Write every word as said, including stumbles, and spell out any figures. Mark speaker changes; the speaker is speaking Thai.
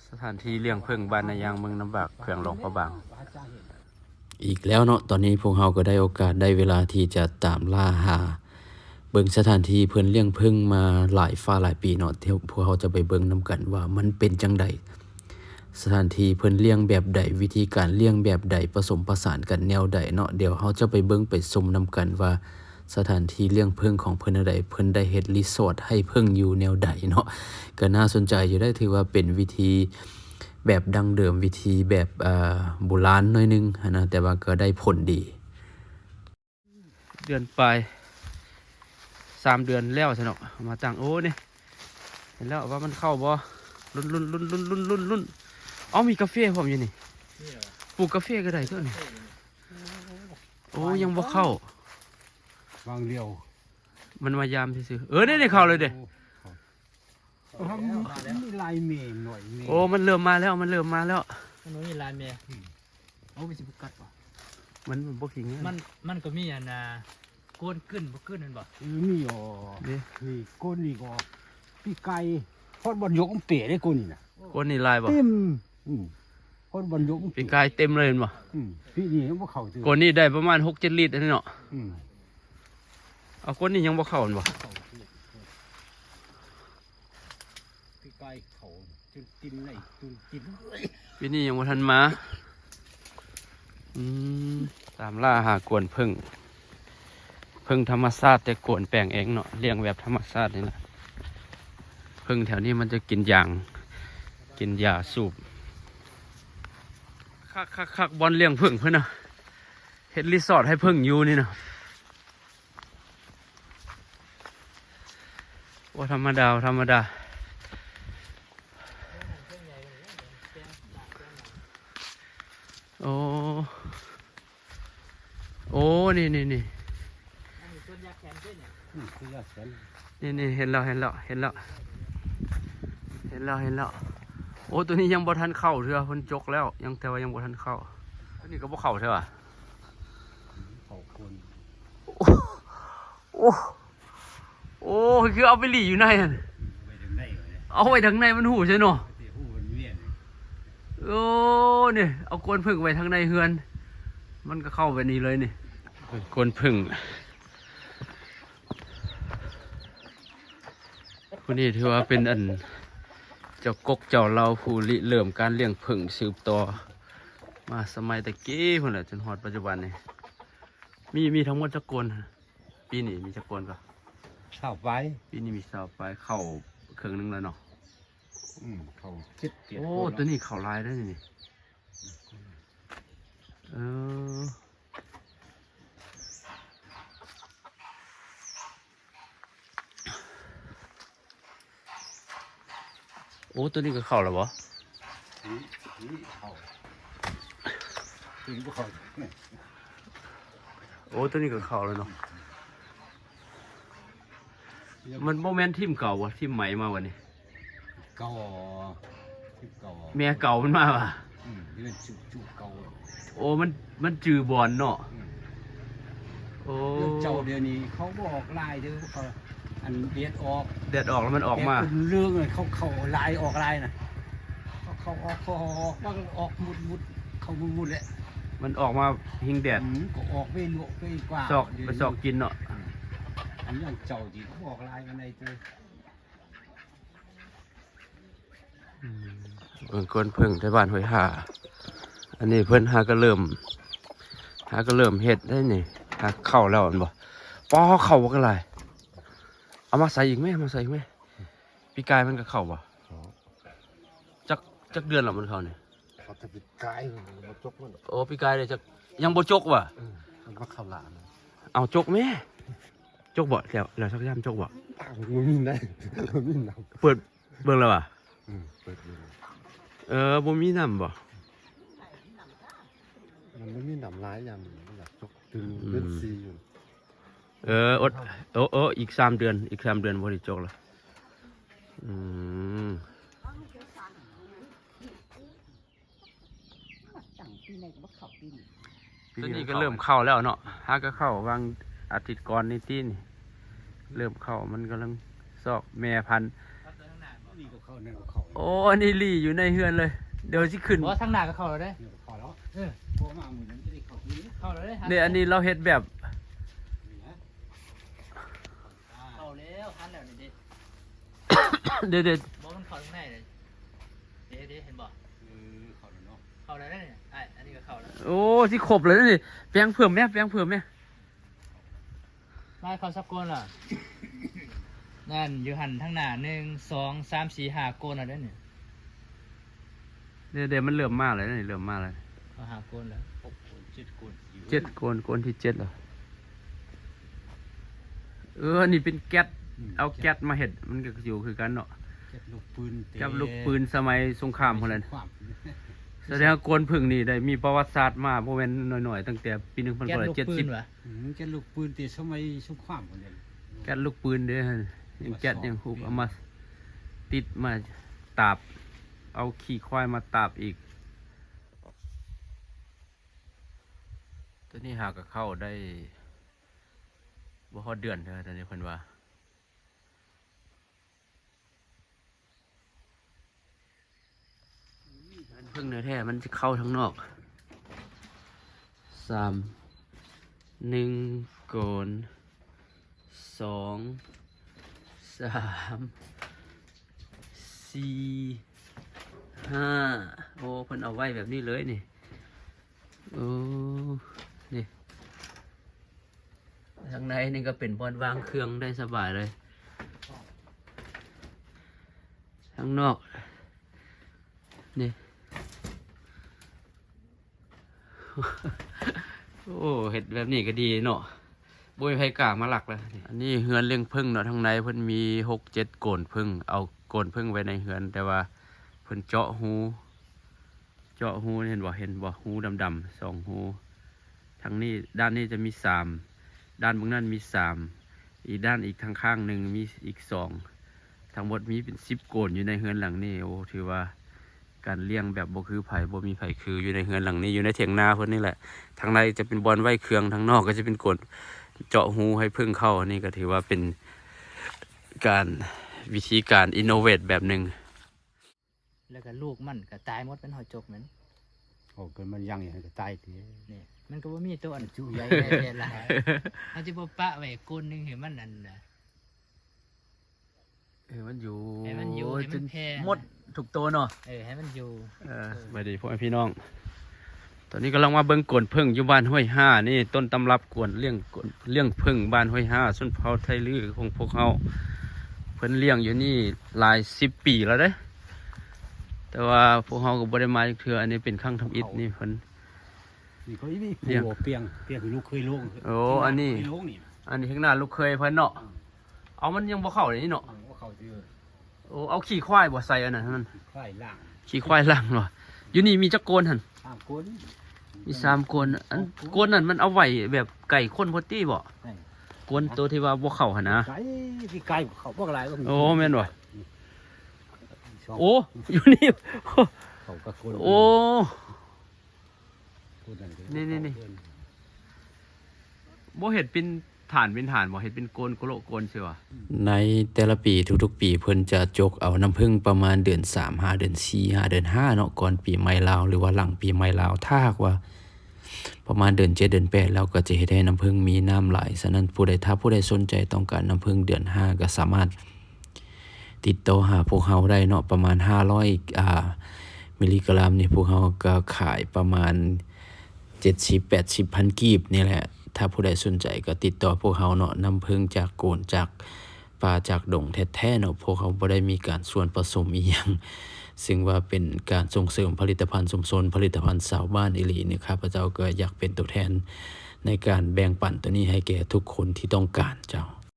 Speaker 1: สถานที่เลี้ยงผึ้งบ้านนายางเมืองน้ำบากแขวงหลวงพระบาง
Speaker 2: อีกแล้วเนาะตอนนี้พวกเราก็ได้โอกาสได้เวลาที่จะตามล่าหาเบิ่งสถานที่เพิ่นเลี้ยงผึ้งมาหลายฟ้าหลายปีเนาะที่พวกเราจะไปเบิ่งนํกันว่ามันเป็นจังไดสถานที่เพิ่นเลี้ยงแบบใดวิธีการเลี้ยงแบบใดผสมผสานกันแนวใดเนาะเดี๋ยวเราจะไปเบิ่งไปชมนํกันว่าสถานที่เลี้ยงผึ้งของเพิ่นใดเพิ่นได้เฮ็ดรีสอร์ทให้ผึ้งอยู่แนวใดเนาะก็น่าสนใจอยู่ได้ถือว่าเป็นวิธีแบบดั้งเดิมวิธีแบบอ่าโบราณหน่อยนึงนะแต่ว่าก็ได้ผลดี
Speaker 1: เดือนปลายสามเดือนแล้วใช่เนาะมาตั้งโอ้นี่เห็นแล้วว่ามันเข้าบ่รุ่นรุ่นรุ่นรุ่นรุ่นรุ่นรุ่นอ๋อมีกาแฟผมอยู่นี่ปลูกกาแฟก็ได้ตัวนี้โอ้ยังบ่เข้า
Speaker 3: วางเดียว
Speaker 1: มันมายามซื่อๆเออนี่ได้เข้าเลยเด้
Speaker 3: มีลายเมย์หน่อยเมย์
Speaker 1: โอ้มันเริ่มมาแล้วมันเริ่มมาแล้ว
Speaker 4: มันมีลายเมียเอาไปสิบุกัดป่ะ
Speaker 1: มันมันบ่ขิง
Speaker 4: มันมันก็มีอันน่ะก้นขึ้นบ่ขึ้นนั่นบ่
Speaker 3: มีอ๋อ
Speaker 1: เด้
Speaker 3: นี่ก้นนี่ก็พี่ไก่พอดบอลยกมันเป๋ได้ก้นนี่นะ
Speaker 1: คนนี่ลายบ่
Speaker 3: เต็มอืมพอดบอลยกมัน
Speaker 1: ปีกายเต็มเลยเห็นบ่
Speaker 3: อืมพี่นี่มันบ่เข้าตัว
Speaker 1: คนนี้ได้ประมาณหกเจ็ดลิตรอันนี้เนาะ
Speaker 3: อืม
Speaker 1: เอาคนนี้ยังบ่เข้าอันบ่
Speaker 3: พี่ไก่เขาจนกินไหนจนกิน
Speaker 1: ปีนี้ยังบ่ทันมาอืมตามล่าหากวนผึ้งผึ้งธรรมชาติแต่กวนแปลงเองเนาะเลี้ยงแบบธรรมชาตินี่แหละผึ้งแถวนี้มันจะกินยางกินยาสูบคักคักคักบอลเลี้ยงผึ้งเพิ่นน่ะเฮ็ดรีสอร์ทให้ผึ้งอยู่นี่นะว่าธรรมดาธรรมดาโอ้โอ้นี่นี่นี่
Speaker 4: ต้นยาแขนด้วยเนี่ย
Speaker 3: อืมคือยาแสน
Speaker 1: นี่นี่เห็นแล้วเห็นแล้วเห็นแล้วเห็นแล้วเห็นแล้วโอ้ตัวนี้ยังบ่ทันเข้าเถอะเพิ่นจกแล้วยังแต่ว่ายังบ่ทันเข้าตัวนี้ก็บ่เข้าเถอะ
Speaker 3: เขาคน
Speaker 1: โอ้โอ้คือเอาไปหลีอยู่ในนั่น
Speaker 3: ไปถึงไหนวะเนี่ย
Speaker 1: เอาไว้ทางในมันหูใช่เนาะ
Speaker 3: ที่หูมันเวียน
Speaker 1: โอ้เนี่ยเอากวนผึ่งไว้ทางในเฮือนมันก็เข้าไปนี่เลยนี่กวนผึ่งผู้นี้ถือว่าเป็นอันเจ้ากกเจ้าเราผู้ริเริ่มการเลี้ยงผึ่งสืบต่อมาสมัยตะกี้พุ่นแหละจนฮอดปัจจุบันนี่มีมีทั้งหมดจักกวนปีนี้มีจักกวนก็
Speaker 3: ข้าวไป
Speaker 1: ปีนี้มีสาวไปเข้าเครื่องนึงแล้วเนาะ
Speaker 3: อืมเขาคิดเกียรติ
Speaker 1: โอ้
Speaker 3: คน
Speaker 1: ตัวนี้เข้าลายได้นี่เออโอ้ตัวนี้ก็เข้าแล้วบ่
Speaker 3: นี่นี่เขาถึงพวกเขาเนี่ย
Speaker 1: โอ้ตัวนี้ก็เข้าแล้วเนาะมันโมเมนต์ทีมเก่าวะทีมใหม่มาวันนี้
Speaker 3: เก่าที่เก่า
Speaker 1: แม่เก่ามันมาว่ะ
Speaker 3: อืมนี่เป็นจุจุเก่า
Speaker 1: โอ้มันมันจือบอลเนาะ
Speaker 3: อืม
Speaker 1: โอ้
Speaker 3: เรื่องเจ้าเดี๋ยวนี้เขาบอกลายเด้อเขาอันเดียดออก
Speaker 1: แดดออกแล้วมันออกมา
Speaker 3: แเป็นเรื่องเลยเขาเขาลายออกลายนะเขาเขาออกเขาออกบ้างออกมุดมุดเขามุดมุดแหละ
Speaker 1: มันออกมาหิงแดด
Speaker 3: อืมก็ออกไปลวกไปกว่า
Speaker 1: ซอกไปซอกกินเนาะ
Speaker 3: อันนี้อย่างเจ้าจีเขาบอกลายกันในตัว
Speaker 1: เบิ่งก้นเพิ่งที่บ้านห้วยหาอันนี้เพิ่นหาก็เริ่มหาก็เริ่มเฮ็ดได้นี่หาเข้าแล้วอันบ่ปอเข้าบ่กันไรเอามาใส่อีกไหมเอามาใส่อีกไหมปีกายมันก็เข้าบ่จักจักเดือนแล้วมันเข้านี่
Speaker 3: เขาจะไปกายมาจกมัน
Speaker 1: โอ้ปีกายเลยจักยังบ่จกว่ะ
Speaker 3: มันมาเข้าหลาน
Speaker 1: เอาจกแม่จกบ่แล้วแล้วสักยามจกบ่
Speaker 3: มันมีได้มันมีน้
Speaker 1: เปิดเบิ่งแล้วว่ะ
Speaker 3: ำอืมเปิดดู
Speaker 1: เออบ่มีน้ำบ่
Speaker 3: มันไม่มีน้ำร้ายอย่างมันอยากจกตึงเล่นซีอยู่
Speaker 1: เอออดโอ้โอ้อีกสามเดือนอีกสามเดือนบ่ได้จกแล้วอืมตัวนี้ก็เริ่มเข้าแล้วเนาะฮาก็เข้าวางอาทิตย์ก่อนนี่ตีนี่เริ่มเข้ามันกำลังซอกแม่พันธุ์
Speaker 3: นี่ก็เขาเข้าเนี่ยเข้า
Speaker 1: โอ้อันนี้ลี่อยู่ในเฮือนเลย เดี๋ยวสิขึ้น
Speaker 4: เพราะว่าทางหน้าก็เข้าแล้วเด้
Speaker 3: เนี่ยเข้าแล้ว
Speaker 4: เออ
Speaker 3: พอมาหมือนั้นจะได้เข้าที่นี่
Speaker 4: เข้าแล้วเด้
Speaker 1: เนี่ยอันนี้เราเฮ็ดแบบ
Speaker 3: นี่ฮะ
Speaker 4: เข้าแล้วหันแล้วนี่ดิ
Speaker 1: เดี๋ยวเดี๋ยว
Speaker 4: บอกมันเข้าตรงไหนเลยเด้เด้เห็นบ่
Speaker 3: เออเข้าแล้วเนาะ
Speaker 4: เข้าแล้วเนี่ยไอ้อันนี้ก็เข้าแล้ว
Speaker 1: โอ้ที่ขบเลยนี่แปลงเพิ่มแม่แปลงเพิ่มแม่
Speaker 4: มาเข้าสักโกนล่ะ นั่นอยู่หันทางหน้าหนึ่งสองสามสี่ห้าโกนแล้วเด้เนี่ย
Speaker 1: เดี๋ยวเดี๋ยวมันเริ่มมาเลยนี่เริ่มมาเลย
Speaker 4: เอาหาโกนแล้ว
Speaker 3: หกคนเจ็ดคนอยู่
Speaker 1: เจ็ดโกนโกนที่เจ็ดเหรอเออนี่เป็นแก๊สเอาแก๊สมาเฮ็ดมันก็อยู่คือกันเนาะ
Speaker 3: เก็บลูกปืนเตะ
Speaker 1: กับลูกปืนสมัยสงครามพุ่นแหละ
Speaker 3: ความ
Speaker 1: แสดงว่าโกนพึ่งนี่ได้มีประวัติศาสตร์มาบ่แม่นน้อยๆตั้งแต่ปีหนึ่งพัน
Speaker 4: แก๊ส
Speaker 1: เก้าร้อย
Speaker 4: ลูก
Speaker 1: เจ็ด
Speaker 4: ปื
Speaker 1: สิบ
Speaker 4: นวะ
Speaker 3: อืมเก็บลูกปืนเตะสมัยสงครามคนเดียว
Speaker 1: แก๊สลูกปืนเด้อยังแก๊สยังฮูบเอามาติดมาตาบ เอาขี้ควายมาตาบอีก ตัวนี้หากก็เข้าได้บ่ฮอดเดือนเด้อตอนนี้เพิ่นว่าอันเพิ่งเนื้อแท้มันจะเข้าทั้งนอกสามหนึ่งโกนสองสามสี่ห้าโอ้เพิ่นเอาไว้แบบนี้เลยนี่โอ้นี่ทางในนี่ก็เป็นบอนวางเครื่องได้สบายเลยข้างนอกนี่ โอ้เห็ดแบบนี้ก็ดีเนาะบุยไผกล้ามาหลักเลยอันนี้เฮือนเลี้ยงผึ้งเนาะทางในเพิ่นมีหกเจ็ดโกนผึ้งเอาโกนผึ้งไว้ในเฮือน แต่ว่าเพิ่นเจาะหูเจาะหูเห็นบ่เห็นบ่หูดำๆสองหูทางนี้ด้านนี้จะมีสามด้านเบื้องนั้นมีสามอีกด้านอีกทางข้างหนึ่งมีอีกสองทั้งหมดมีเป็นสิบโกนอยู่ในเฮือนหลังนี้โอ้ถือว่าการเลี้ยงแบบบ่คือไผ่บ่มีไผ่คืออยู่ในเฮือนหลังนี้อยู่ในเถียงนาเพิ่นนี่แหละทางในจะเป็นบอนไว้เครื่องทางนอกก็จะเป็นกดเจาะหูให้พึ่งเข้านี่ก็ถือว่าเป็นการวิธีการอินโนเวทแบบหนึ่ง
Speaker 4: แล้วก็ลูกมันก็ตายหมดเป็นหอยจกเหมือน
Speaker 3: โอ้เกินมันยังอย่างนี้ก็ตายที
Speaker 4: นี่มันก็บ่มีตัวอันจุใหญ่แน่ๆหลายเอาสิบ่ปะไว้ก้นหนึงให้มันอันน่ะ
Speaker 1: เออมันอยู่
Speaker 4: ให้มันอยู่ให้มันแพร่
Speaker 1: หมดถูกตัวเนาะ
Speaker 4: เออให้มันอยู่
Speaker 1: เออสวัสดีพ่อแม่พี่น้อง ตอนนี้กำลังมาเบิ่งกวนพึ่งอยู่บ้านห้วยห้านี่ต้นตำรับกวนเลี้ยงกวนเลี้ยงพึ่งบ้านห้วยห้าส้นเผาไทยลือของพวกเขาเพิ่นเลี้ยงอยู่นี่หลายสิบปีแล้วเด้ แต่ว่าพวกเขาก็บ่ได้มาอีกเทื่ออันนี้เป็นครั้งทำอิฐนี่เพิ่น
Speaker 3: นี่เขาอีนี่
Speaker 1: เลี้ยง
Speaker 3: ผัวเปียงเปียงคือลูกเคยลง
Speaker 1: โอ้อันนี้
Speaker 3: เคยลงนี่
Speaker 1: อันนี้ข้างหน้าลูกเคยเพิ่นเนาะเอามันยังบ่เข้าเลยนี่เนาะ
Speaker 3: ว่าเขาเจอ
Speaker 1: โอ้เอาขี้ควายบ่ใส่อันนั้นให้มัน
Speaker 3: ไข่ล่าง
Speaker 1: ขี้ควายล่างเนาะอยู่นี่มีจักโกนหั่น
Speaker 3: ตามคน
Speaker 1: มีสามโกนอันโกนนั่นมันเอาไว้แบบไก่ข้นพอตี้บ่โกนตัวที่ว่าบ่เข้าหั่นนะ
Speaker 3: ไก่ที่ไก่เขาพวกอะไรก็มี
Speaker 1: โอ้แม่นบ่
Speaker 3: สอง
Speaker 1: โอ้อยู่นี่
Speaker 3: เขาก็คน
Speaker 1: โอ้
Speaker 3: คนก็
Speaker 1: นี่นี่นี่ บ่เห็ดเป็นฐานเป็นฐานบ่เห็ดเป็นโกนโกโลโกนเชื่อวะ
Speaker 2: ในแต่ละปีทุกๆปีเพิ่นจะจกเอาน้ำผึ้งประมาณเดือนสาม ห้าเดือนสี่ ห้าเดือนห้าเนาะก่อนปีใหม่ลาวหรือว่าหลังปีใหม่ลาวถ้าหากว่าประมาณเดือนเจ็ดเดือนแปดแล้วก็จะเฮ็ดให้น้ำผึ้งมีน้ำไหลฉะนั้นผู้ใดถ้าผู้ใดสนใจต้องการน้ำผึ้งเดือนห้าก็สามารถติดต่อหาพวกเฮาได้เนาะประมาณห้าร้อยอ่ามิลลิกรัมนี่พวกเฮาก็ขายประมาณเจ็ดสิบ แปดสิบพันกีบนี่แหละถ้าผู้ใดสนใจก็ติดต่อพวกเฮาเนาะน้ำผึ้งจากโกนจากป่าจากดงแท้ๆเนาะพวกเขาบ่ได้มีการส่วนผสมอีหยังซึ่งว่าเป็นการส่งเสริมผลิตภัณฑ์ชุมชนผลิตภัณฑ์ชาวบ้านอีหลีนี่ข้าพเจ้าก็อยากเป็นตัวแทนในการแบ่งปันตัวนี้ให้แก่ทุกคนที่ต้องการเจ้า